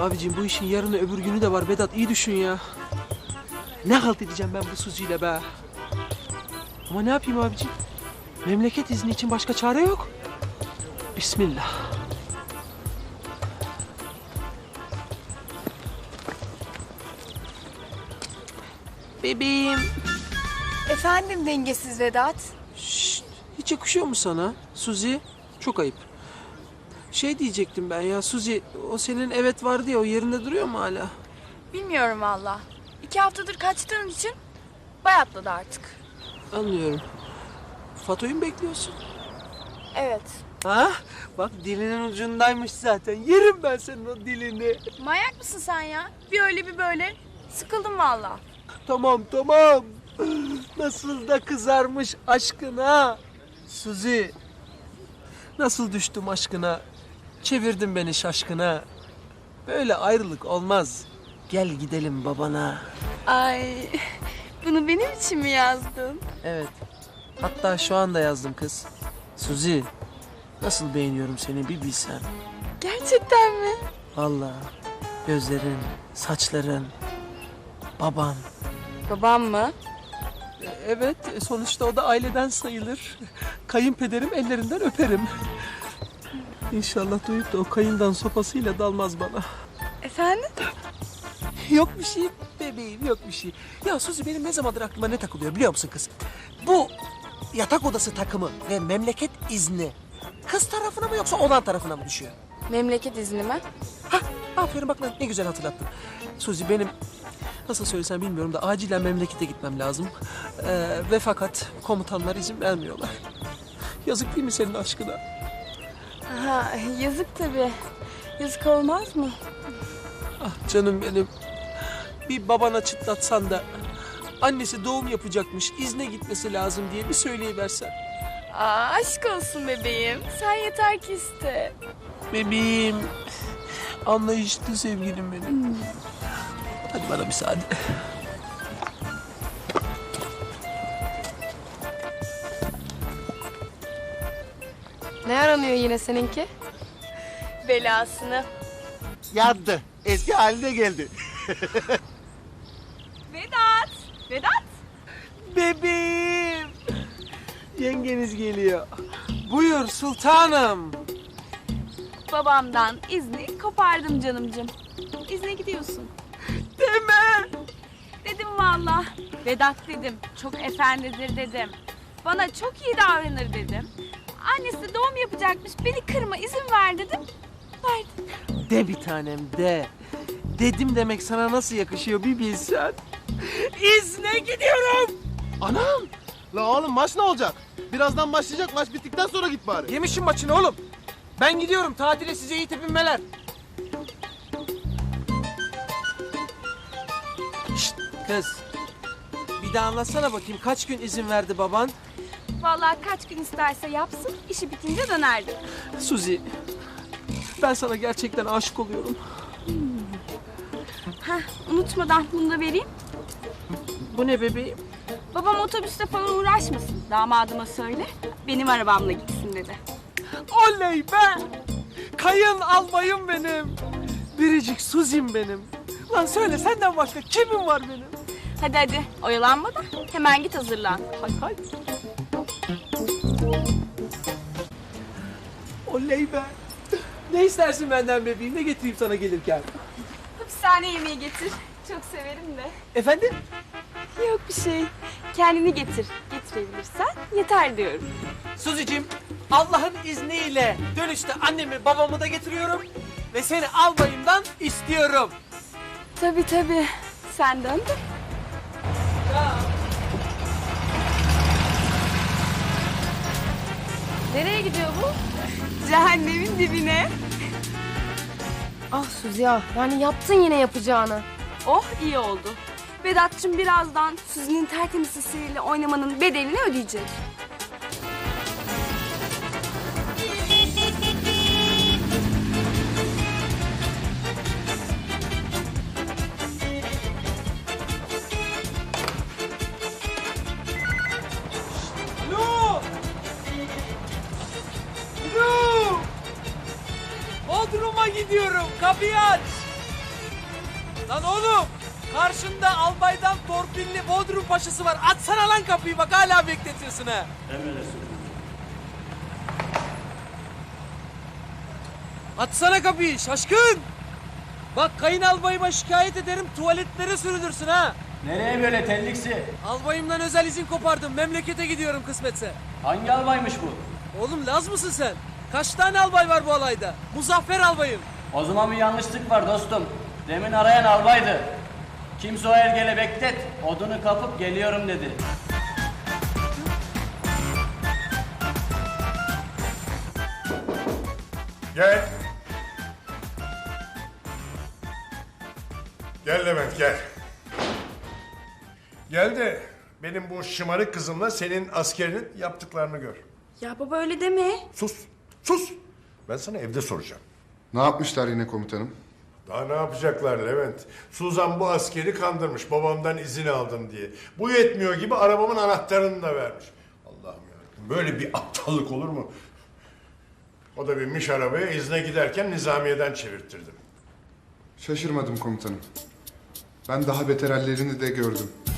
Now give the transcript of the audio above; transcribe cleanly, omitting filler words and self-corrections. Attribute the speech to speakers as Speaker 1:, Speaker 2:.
Speaker 1: Abicim bu işin yarını öbür günü de var Vedat, iyi düşün ya. Ne halt edeceğim ben bu Suzi'yle be? Ama ne yapayım abicim? Memleket izni için başka çare yok. Bismillah. Bebeğim.
Speaker 2: Efendim dengesiz Vedat.
Speaker 1: Şşt, hiç yakışıyor mu sana Suzi? Çok ayıp. Şey diyecektim ben ya Suzi, o senin evet vardı ya, o yerinde duruyor mu hala?
Speaker 2: Bilmiyorum valla. 2 haftadır kaçtığın için bayatladı artık.
Speaker 1: Anlıyorum. Fatoyu mu bekliyorsun?
Speaker 2: Evet.
Speaker 1: Ha? Bak dilinin ucundaymış zaten. Yerim ben senin o dilini.
Speaker 2: Manyak mısın sen ya? Bir öyle bir böyle. Sıkıldım valla.
Speaker 1: Tamam tamam. Nasıl da kızarmış aşkına. Suzi. Nasıl düştüm aşkına. Çevirdin beni şaşkına. Böyle ayrılık olmaz. Gel gidelim babana.
Speaker 2: Ay, bunu benim için mi yazdın?
Speaker 1: Evet. Hatta şu anda yazdım kız. Suzi. Nasıl beğeniyorum seni bir bilsen.
Speaker 2: Gerçekten mi?
Speaker 1: Vallahi gözlerin, saçların, baban.
Speaker 2: Babam mı?
Speaker 1: Evet, sonuçta o da aileden sayılır. Kayınpederim, ellerinden öperim. İnşallah duyup da o kayından sopasıyla dalmaz bana.
Speaker 2: Efendim?
Speaker 1: Yok bir şey bebeğim, yok bir şey. Ya Suzi, benim ne zamandır aklıma ne takılıyor biliyor musun kız? Bu yatak odası takımı ve memleket izni kız tarafına mı yoksa oğlan tarafına mı düşüyor?
Speaker 2: Memleket izni mi?
Speaker 1: Hah, aferin bak lan, ne güzel hatırlattın. Suzi, benim nasıl söylesem bilmiyorum da acilen memlekete gitmem lazım. Ve fakat komutanlar izin vermiyorlar. Yazık değil mi senin aşkına?
Speaker 2: Aha, yazık tabii. Yazık olmaz mı?
Speaker 1: Ah canım benim. Bir babana çıtlatsan da annesi doğum yapacakmış, izne gitmesi lazım diye bir söyleyiversen.
Speaker 2: Aa, aşk olsun bebeğim. Sen yeter ki iste.
Speaker 1: Bebeğim, anlayışlı sevgilim benim. Hadi bana müsaade.
Speaker 2: Ne aranıyor yine seninki? Belasını.
Speaker 3: Yandı. Eski haline geldi.
Speaker 2: Vedat! Vedat!
Speaker 1: Bebeğim. Yengeniz geliyor. Buyur sultanım.
Speaker 2: Babamdan izni kopardım canımcığım. İzne gidiyorsun.
Speaker 1: Deme.
Speaker 2: Dedim valla. Vedat dedim. Çok efendidir dedim. Bana çok iyi davranır dedim. Annesi doğum yapacakmış. Beni kırma izin ver dedim. Verdim.
Speaker 1: De bir tanem de. Dedim demek sana nasıl yakışıyor bir bilsen. İzne gidiyorum.
Speaker 3: Anam! La oğlum maç ne olacak? Birazdan başlayacak, maç bittikten sonra git bari.
Speaker 1: Yemişim maçını oğlum. Ben gidiyorum tatile, size iyi tepinmeler. Şşt kız. Bir daha anlatsana bakayım, kaç gün izin verdi baban?
Speaker 2: Vallahi kaç gün isterse yapsın. İşi bitince dönerdim.
Speaker 1: Suzi, ben sana gerçekten aşık oluyorum.
Speaker 2: Heh, unutmadan bunu da vereyim.
Speaker 1: Bu ne bebeğim?
Speaker 2: Babam otobüste falan uğraşmasın. Damadıma söyle. Benim arabamla gitsin dedi.
Speaker 1: Oley be! Kayın almayım benim. Biricik Suzi'm benim. Lan söyle, senden başka kimim var benim?
Speaker 2: Hadi hadi oyalanma da hemen git hazırlan.
Speaker 1: Hay hay. Oley be! Ne istersin benden bebeğim? Ne getireyim sana gelirken?
Speaker 2: Hapishane yemeği getir. Çok severim de.
Speaker 1: Efendim?
Speaker 2: Yok bir şey. Kendini getir. Getirebilirsen yeter diyorum.
Speaker 1: Suzi'cim, Allah'ın izniyle dönüşte annemi babamı da getiriyorum ve seni albayımdan istiyorum.
Speaker 2: Tabii tabii. Sen dön de. Nereye gidiyor bu? Cehennemin dibine.
Speaker 4: Ah Suzi ya, yani yaptın yine yapacağını.
Speaker 2: Oh iyi oldu. Vedat'cığım birazdan Suzi'nin tertemiz sesiyle oynamanın bedelini ödeyecek.
Speaker 1: Lu! Lu! Bodrum'a gidiyorum, kapıyı aç. Lan oğlum! Karşında albaydan torpilli Bodrum paşası var. Açsana lan kapıyı bak hala bekletiyorsun ha. Açsana kapıyı şaşkın! Bak kayınalbayıma şikayet ederim tuvaletlere sürülürsün ha.
Speaker 5: Nereye böyle telliksi?
Speaker 1: Albayımdan özel izin kopardım. Memlekete gidiyorum kısmetse.
Speaker 5: Hangi albaymış bu?
Speaker 1: Oğlum Laz mısın sen? Kaç tane albay var bu alayda? Muzaffer albayım.
Speaker 5: O zaman bir yanlışlık var dostum. Demin arayan albaydı. Kimse o ergele beklet. Odunu kapıp geliyorum dedi.
Speaker 6: Gel. Gel Levent gel. Gel de benim bu şımarık kızımla senin askerinin yaptıklarını gör.
Speaker 2: Ya baba öyle deme.
Speaker 6: Sus, sus. Ben sana evde soracağım.
Speaker 7: Ne yapmışlar yine komutanım?
Speaker 6: Daha ne yapacaklar Levent? Suzan bu askeri kandırmış babamdan izin aldım diye. Bu yetmiyor gibi arabamın anahtarını da vermiş. Allah'ım ya. Böyle bir aptallık olur mu? O da binmiş arabaya izne giderken nizamiyeden çevirttirdim.
Speaker 7: Şaşırmadım komutanım. Ben daha beter hallerini de gördüm.